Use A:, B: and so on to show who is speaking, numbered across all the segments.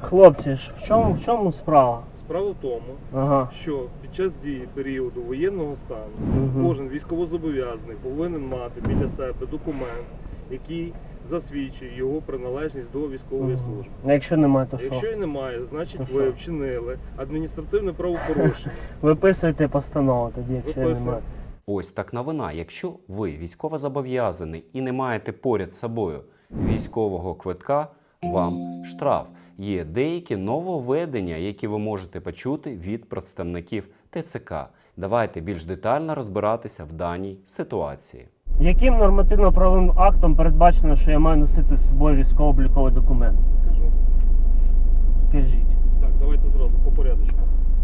A: Хлопці ж, в чому справа?
B: Справа в тому, що під час дії періоду воєнного стану кожен військовозобов'язаний повинен мати біля себе документ, який засвідчує його приналежність до військової служби.
A: А якщо немає, то що?
B: Якщо і немає, значить ви вчинили адміністративне правопорушення.
A: Виписуйте постанову тоді, якщо немає.
C: Ось так новина. Якщо ви військовозобов'язаний і не маєте поряд з собою військового квитка, вам штраф. Є деякі нововведення, які ви можете почути від представників ТЦК. Давайте більш детально розбиратися в даній ситуації.
A: Яким нормативно-правовим актом передбачено, що я маю носити з собою військово-обліковий документ?
B: Кажу.
A: Кажіть.
B: Так, давайте зразу по порядочку.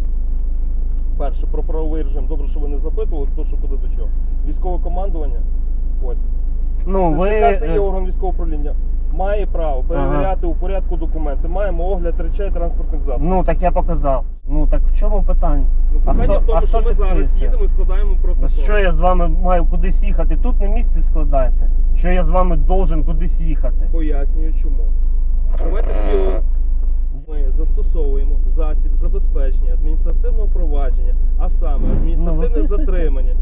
B: Перше, про правовий режим. Добре, що ви не запитували, хто що куди до чого. Військове командування, ось. Це є орган військового управління. Має право перевіряти у порядку документи. Маємо огляд речей транспортних засобів.
A: Ну, так я показав. Ну, так в чому питання?
B: Питання в тому, що ми зараз їдемо і складаємо протокол.
A: Що я з вами маю кудись їхати? Тут на місці складаєте? Що я з вами должен кудись їхати?
B: Пояснюю чому. Давайте ми застосовуємо засіб забезпечення адміністративного провадження, а саме адміністративне затримання.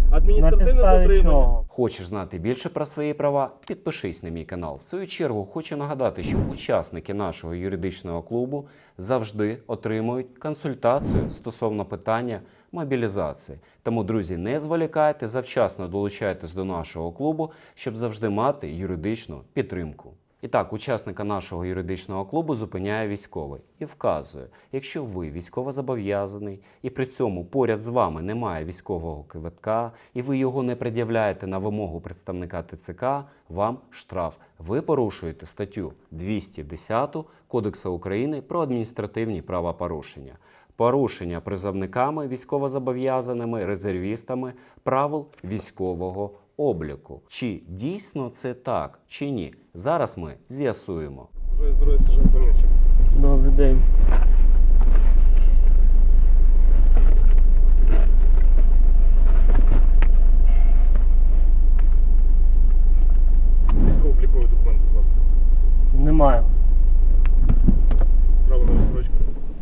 A: Чого?
C: Хочеш знати більше про свої права? Підпишись на мій канал. В свою чергу хочу нагадати, що учасники нашого юридичного клубу завжди отримують консультацію стосовно питання мобілізації. Тому, друзі, не зволікайте, завчасно долучайтесь до нашого клубу, щоб завжди мати юридичну підтримку. І так, учасника нашого юридичного клубу зупиняє військовий і вказує, якщо ви військовозобов'язаний і при цьому поряд з вами немає військового квитка і ви його не пред'являєте на вимогу представника ТЦК, вам штраф. Ви порушуєте статтю 210 Кодексу України про адміністративні правопорушення. Порушення призовниками, військовозобов'язаними, резервістами правил військового обліку. Чи дійсно це так, чи ні? Зараз ми з'ясуємо.
B: Бажаю здоров'я, сержант Мельничук.
A: Добрий день.
B: Військово-обліковий документ, будь ласка.
A: Немає.
B: Право на відсрочку.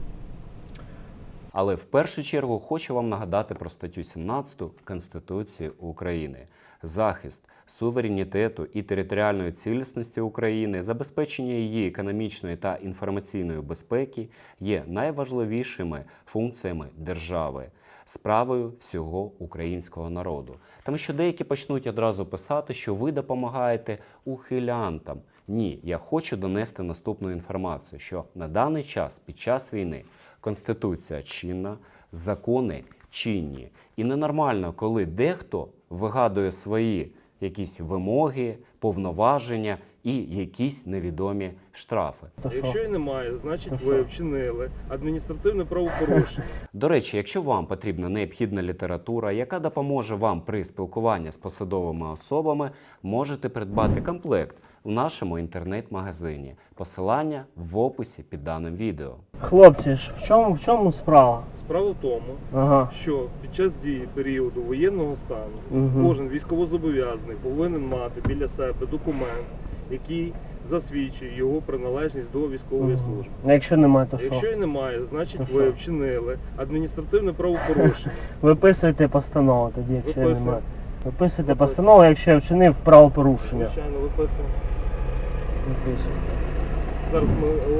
C: Але в першу чергу хочу вам нагадати про статтю 17 Конституції України. Захист суверенітету і територіальної цілісності України, забезпечення її економічної та інформаційної безпеки є найважливішими функціями держави, справою всього українського народу. Тому що деякі почнуть одразу писати, що ви допомагаєте ухилянтам. Ні, я хочу донести наступну інформацію, що на даний час, під час війни, Конституція чинна, закони чинні. І ненормально, коли дехто вигадує свої якісь вимоги, повноваження і якісь невідомі штрафи.
B: Якщо і немає, значить ви вчинили адміністративне правопорушення.
C: До речі, якщо вам потрібна необхідна література, яка допоможе вам при спілкуванні з посадовими особами, можете придбати комплект в нашому інтернет-магазині. Посилання в описі під даним відео.
A: Хлопці ж, в чому справа?
B: Справа в тому, що під час дії періоду воєнного стану кожен військовозобов'язаний повинен мати біля себе документ, який засвідчує його приналежність до військової служби.
A: А якщо немає, то що?
B: Якщо і немає, значить ви вчинили адміністративне правопорушення.
A: Виписуйте постанову тоді, якщо немає. Виписуйте постанову, якщо я вчинив правопорушення.
B: Звичайно, виписуємо.
A: Виписуйте.
B: Зараз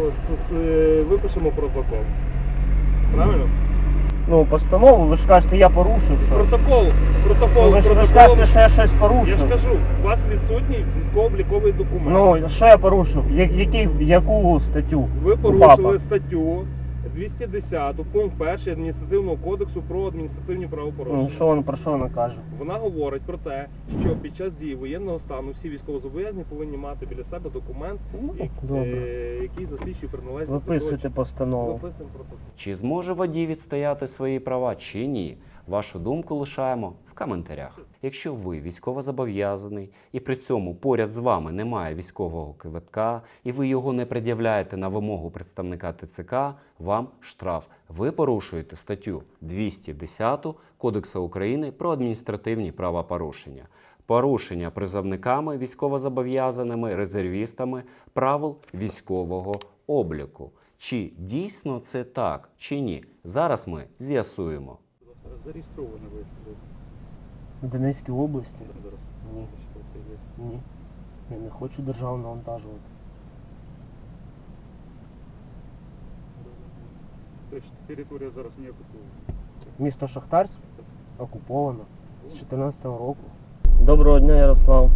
B: ми випишемо протокол. Правильно?
A: Ну, постанову, ви ж кажете, я порушив щось.
B: Протокол.
A: Ви ж кажете, що я щось порушив.
B: Я ж кажу, у вас відсутній військово-обліковий документ.
A: Ну, що я порушив? Яку статтю?
B: Ви порушили статтю 210 пункт 1 адміністративного кодексу про адміністративні правопорушення.
A: Про що вона каже?
B: Вона говорить про те, що під час дії воєнного стану всі військовозобов'язані повинні мати біля себе документ, який засвідчує приналежність.
A: Виписуйте постанову.
B: Виписуємо протокол.
C: Чи зможе водій відстояти свої права, чи ні? Вашу думку лишаємо в коментарях. Якщо ви військовозобов'язаний і при цьому поряд з вами немає військового квитка і ви його не пред'являєте на вимогу представника ТЦК, вам штраф. Ви порушуєте статтю 210 Кодексу України про адміністративні правопорушення. Порушення призовниками, військовозобов'язаними, резервістами правил військового обліку. Чи дійсно це так, чи ні? Зараз ми з'ясуємо.
D: Зареєстровані ви
A: В Донецькій області?
D: зараз.
A: Ні.
D: Що це є?
A: Ні. Я не хочу державу навантажувати.
D: Це ж територія зараз не окупована.
A: Місто Шахтарськ окуповано з 14-го року. Доброго дня, Ярослав.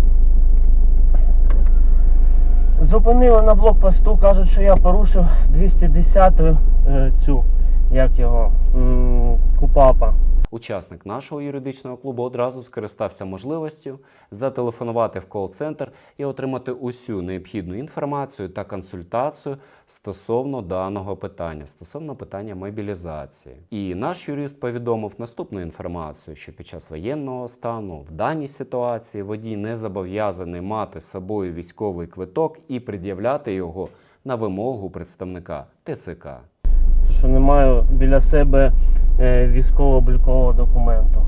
A: Зупинили на блокпосту, кажуть, що я порушив 210-ю цю, як його, КУПАПа.
C: Учасник нашого юридичного клубу одразу скористався можливістю зателефонувати в кол-центр і отримати усю необхідну інформацію та консультацію стосовно даного питання, стосовно питання мобілізації. І наш юрист повідомив наступну інформацію, що під час воєнного стану в даній ситуації водій не зобов'язаний мати з собою військовий квиток і пред'являти його на вимогу представника ТЦК.
A: Що не маю біля себе військово-облікового документу.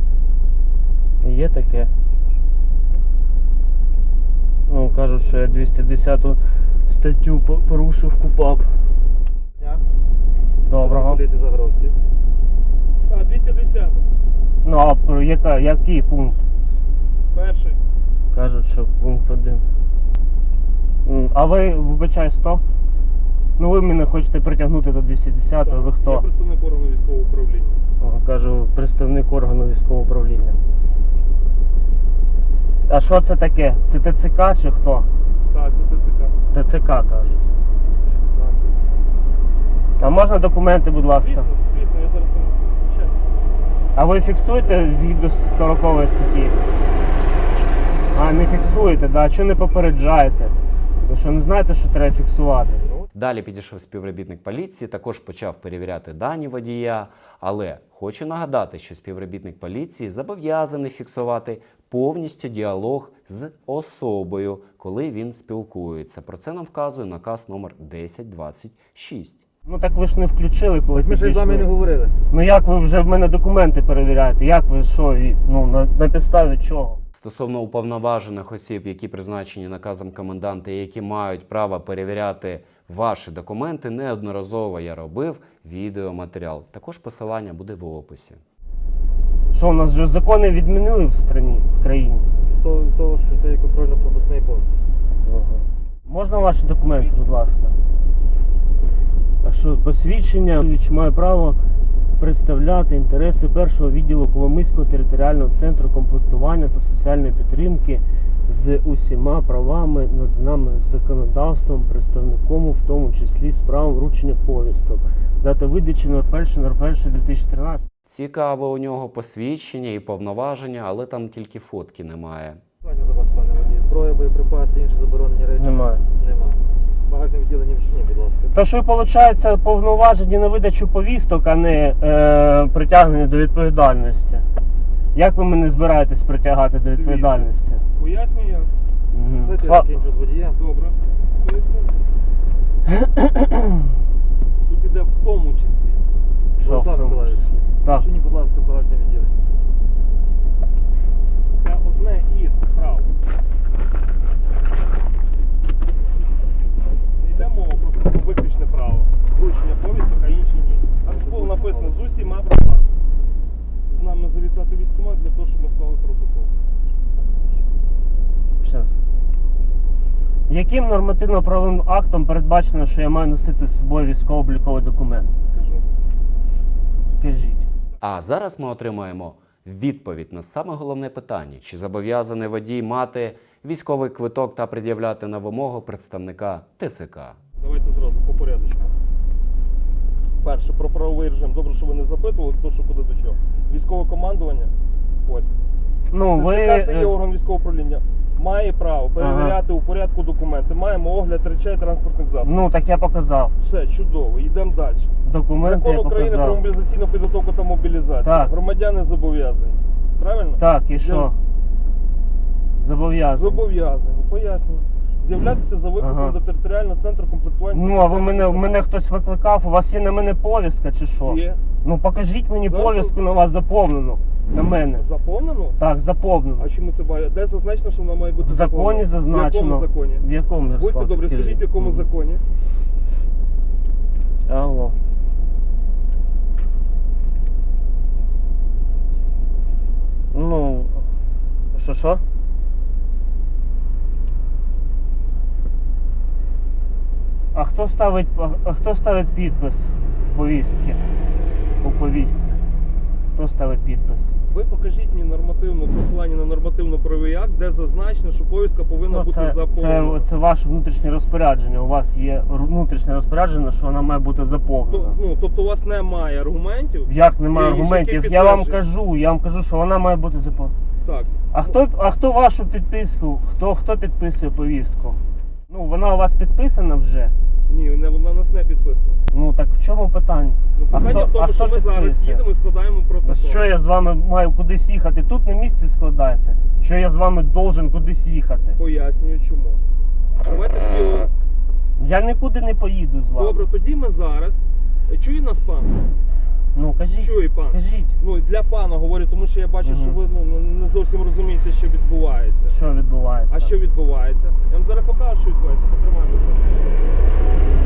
A: Є таке. Ну, кажуть, що я 210 статтю порушив КУПАП. Доброго.
D: Поліції Загоровський.
B: А, 210.
A: Ну, а який пункт?
B: Перший.
A: Кажуть, що пункт 1. А ви, вибачаюсь, хто? Ну ви мене хочете притягнути до 210-го, ви
B: Я
A: хто?
B: представник органу військового управління.
A: Кажу, представник органу військового управління. А що це таке? Це ТЦК чи хто?
B: Так, це ТЦК.
A: ТЦК, кажуть. А можна документи, будь ласка?
B: Звісно, звісно, я зараз принесу. Звичайно.
A: А ви фіксуєте згідно з 40 статті? А, не фіксуєте, да? Чого не попереджаєте? Ви що, не знаєте, що треба фіксувати?
C: Далі підійшов співробітник поліції, також почав перевіряти дані водія, але хочу нагадати, що співробітник поліції зобов'язаний фіксувати повністю діалог з особою, коли він спілкується. Про це нам вказує наказ номер 1026.
A: Ну так ви ж не включили, коли
D: Ми ж з вами не
A: підійшли.
D: говорили.
A: Ну як ви вже в мене документи перевіряєте? Як ви що? Ну на підставі чого?
C: Стосовно уповноважених осіб, які призначені наказом коменданта і які мають право перевіряти ваші документи, неодноразово я робив відеоматеріал. Також посилання буде в описі.
A: Що, у нас вже закони відмінили в країні?
D: З того, що це є контрольно-пропускний пункт.
A: Можна ваші документи, будь ласка? А що, посвідчення? Маю право представляти інтереси першого відділу Коломийського територіального центру комплектування та соціальної підтримки з усіма правами, наданими законодавством, представником, в тому числі з правом вручення повісток. Дата видачі 01.01.2013.
C: Цікаве у нього посвідчення і повноваження, але там тільки фотки немає.
D: Питання до вас, пане водій. Зброя, боєприпаси, інші заборонені речі?
A: Немає.
D: Нема. Багажне відділення вчині, будь ласка.
A: Тож ви, виходить, повноважені на видачу повісток, а не притягнені до відповідальності. Як ви мене збираєтесь притягати до відповідальності?
B: Пояснюю я.
A: Мгм.
D: Дайте я закінчу з водієм.
B: Добре. Поясню. Тут іде в тому числі.
A: Що в
D: Олександр
A: тому
D: Миколаївич,
A: числі? Так.
D: вчині, будь ласка, багажне відділення.
B: Це одне із прав. Не йде мова просто про виключне право. Вручення повісток, а інші ні. Там ж було написано з усіма правами. З нами завітати військкомат для того, щоб ми склали протокол.
A: Щас. Яким нормативно-правовим актом передбачено, що я маю носити з собою військово-обліковий документ?
B: Кажу.
A: Кажіть.
C: А зараз ми отримаємо відповідь на саме головне питання: чи зобов'язаний водій мати військовий квиток та пред'являти на вимогу представника ТЦК.
B: Давайте зразу по порядочку. Перше, про правовий режим. Добре, що ви не запитували, хто що куди до чого. Військове командування. Ось.
A: Ну, ви...
B: ТЦК це є орган військового управління. Має право перевіряти у порядку документи. Маємо огляд речей транспортних засобів.
A: Ну, так я показав.
B: Все, чудово. Йдемо далі.
A: Документи
B: Закон
A: я
B: України про
A: показав.
B: мобілізаційну підготовку та мобілізацію.
A: Так.
B: Громадяни зобов'язані. Правильно?
A: Так, і що? Зобов'язаний.
B: Зобов'язані. Пояснюю. З'являтися за викликом
A: Ага.
B: до територіального центру комплектування.
A: Ну, а ви мене хтось викликав, у вас є на мене повістка чи що?
B: Є.
A: Ну покажіть мені
B: Зараз-
A: повістку на вас заповнену. На мене.
B: Заповнено?
A: Так, заповнено.
B: А чому це має? Де зазначено, що вона має бути
A: В законі
B: заповнена?
A: зазначено.
B: В якому законі?
A: В якому, Ярослав?
B: Будьте добрі,
A: Скажіть.
B: скажіть, в якому
A: Мгм.
B: законі?
A: Що? А хто ставить підпис в повістці? У повістці. Хто ставить підпис?
B: Ви покажіть мені посилання на нормативно-правовий акт, де зазначено, що повістка повинна бути заповнена.
A: Це ваше внутрішнє розпорядження. У вас є внутрішнє розпорядження, що вона має бути заповнена.
B: Тобто у вас немає аргументів?
A: Як немає
B: які
A: аргументів? Я вам кажу, що вона має бути заповнена.
B: Так.
A: А хто вашу підписку? Хто підписує повістку? Ну, вона у вас підписана вже?
B: Ні, вона у нас не підписана.
A: Ну так в чому питання?
B: Питання в тому, що ми зараз їдемо і складаємо протокол.
A: Що я з вами маю кудись їхати? Тут на місці складайте. Що я з вами должен кудись їхати?
B: Пояснюю чому. Давайте тоді...
A: Я нікуди не поїду з вами.
B: Добре, тоді ми зараз... Чує нас пан?
A: Ну кажіть.
B: Чує пан.
A: Кажіть.
B: Ну для пана говорю, тому що я бачу, що ви не зовсім розумієте, що відбувається.
A: Що відбувається?
B: А що відбувається? Я вам зараз покажу, що відбувається. Потримай, будь ласка.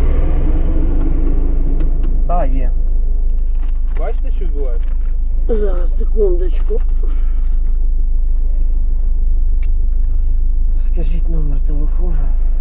A: Так, є.
B: Бачите, що відбувається?
A: Зараз, секундочку. Скажіть номер телефону.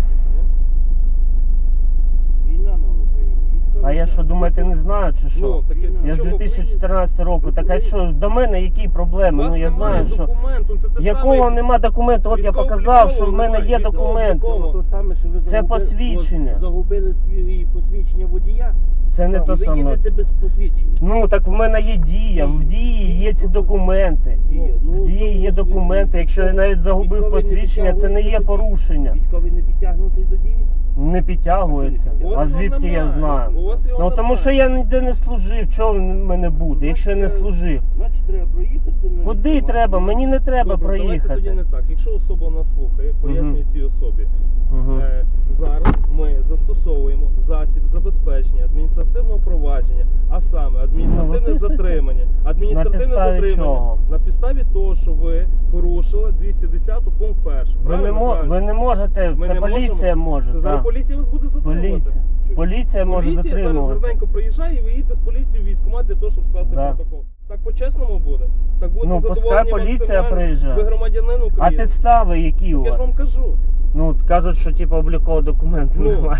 D: Війна на Україні.
A: А я що, думаєте, не знаю чи що?
B: Ну, так
A: Я з
B: чому
A: 2014 року. Так а що, до мене які проблеми?
B: У вас
A: Ну я
B: немає
A: знаю, що...
B: документу, це те
A: Якого
B: саме.
A: нема документу? От я показав, що в мене є документ.
D: То саме, що ви
A: Це посвідчення.
D: загубили свої посвідчення водія.
A: Це не
D: і
A: то
D: ви
A: саме.
D: їдете без посвідчення.
A: Ну так в мене є дія, в дії є ці документи.
D: Дія. Ну,
A: В дії є документи. Якщо я навіть загубив
D: військовий не
A: посвідчення, це не є
D: підтягується до дії.
A: порушення.
D: Військовий не підтягнутий до дії?
A: Не підтягується.
B: У вас
A: А
B: його
A: звідки я
B: немає.
A: знаю?
B: У вас його
A: Ну тому
B: немає.
A: що я ніде не служив. Чого в мене буде, якщо я не служив?
D: Значить, треба проїхати. на
A: Куди
D: військкомат.
A: треба? Мені не треба
B: Добре, давайте тоді
A: проїхати.
B: не так. Якщо особа нас слухає, пояснюю цій особі.
A: Мгм.
B: Зараз ми застосовуємо засіб забезпечення адміністративного провадження, а саме адміністративне
A: виписуйте.
B: затримання. Адміністративне
A: На підставі
B: затримання
A: чого?
B: на підставі того, що ви порушили 210 пункт 1.
A: Ви не можете,
B: Ми
A: це
B: не
A: поліція
B: можемо.
A: може.
B: Це зараз
A: так.
B: поліція вас буде затримувати.
A: Поліція. Поліція може
B: Поліція зараз
A: затримувати.
B: гарненько приїжджає і ви їдете з поліцією в військкомат для того, щоб скласти
A: Да.
B: протокол. Так по-чесному буде. Так буде
A: Ну, пускай
B: задоволені
A: поліція
B: максимально.
A: приїжджає.
B: Ви громадянин
A: А
B: України.
A: підстави які у
B: Я ж
A: вас?
B: вам кажу.
A: Ну, от кажуть, що типу облікового документу
B: Ну.
A: немає.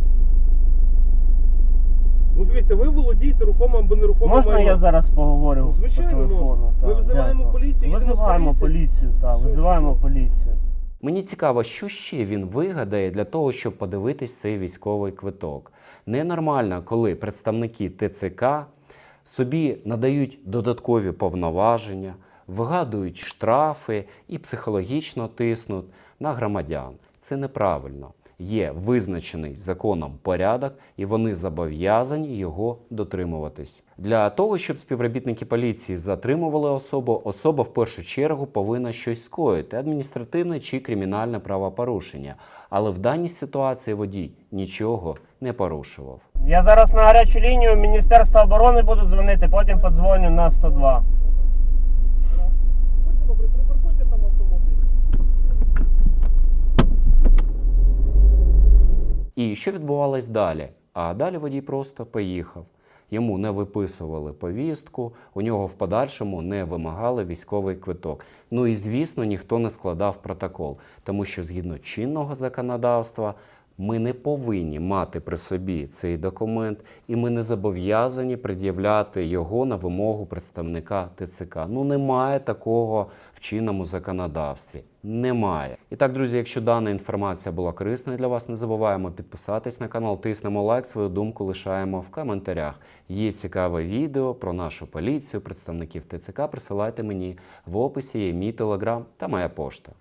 B: Ну дивіться, ви володієте рухомим або нерухомим
A: Можна
B: майном.
A: я зараз поговорю
B: Ну, звичайно,
A: по телефону?
B: можна. Ми
A: Так,
B: визиваємо
A: дякую.
B: поліцію, їдемо з
A: Визиваємо
B: поліцією.
A: поліцію, так,
B: Все,
A: визиваємо
B: все.
A: поліцію.
C: Мені цікаво, що ще він вигадає для того, щоб подивитись цей військовий квиток. Ненормально, коли представники ТЦК собі надають додаткові повноваження, вигадують штрафи і психологічно тиснуть на громадян. Це неправильно. Є визначений законом порядок, і вони зобов'язані його дотримуватись. Для того, щоб співробітники поліції затримували особу, особа в першу чергу повинна щось скоїти – адміністративне чи кримінальне правопорушення. Але в даній ситуації водій нічого не порушував.
A: Я зараз на гарячу лінію Міністерства оборони буду дзвонити, потім подзвоню на 102.
B: Будьте добрі, припаркуйте там автомобіль.
C: І що відбувалось далі? А далі водій просто поїхав. Йому не виписували повістку, у нього в подальшому не вимагали військовий квиток. Ну і, звісно, ніхто не складав протокол, тому що згідно чинного законодавства ми не повинні мати при собі цей документ, і ми не зобов'язані пред'являти його на вимогу представника ТЦК. Ну немає такого в чинному законодавстві. Немає. І так, друзі, якщо дана інформація була корисною для вас, не забуваємо підписатись на канал, тиснемо лайк, свою думку лишаємо в коментарях. Є цікаве відео про нашу поліцію, представників ТЦК, присилайте мені в описі, є мій телеграм та моя пошта.